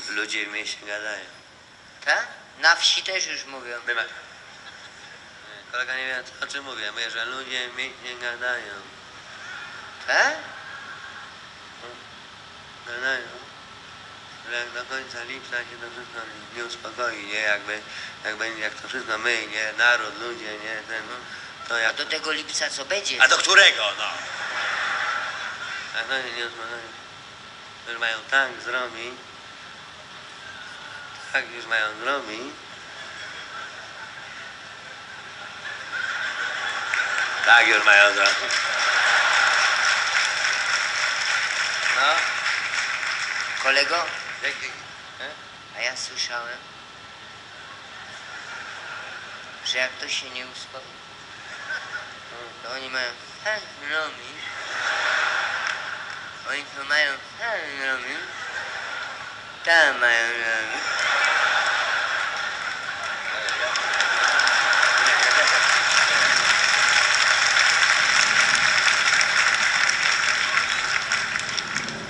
ludzie w mieście gadają. Tak? Na wsi też już mówią. Nie, kolega nie wie, o czym mówię. Mówię, że ludzie w mieście gadają. Tak? Gadają. Że jak do końca lipca się to wszystko nie uspokoi, nie? Jak to wszystko my, nie? Naród, ludzie, nie? To A jak... do tego lipca co będzie? A do którego, no? Jak to się nie uspokoi, już mają tak zrobić, tak już mają zrobić, tak już mają zrobić. No, Kolego, e? a ja słyszałem, że jak to się nie uspokoi, to oni mają tak robić, oni to mają tak robić, tam mają robić,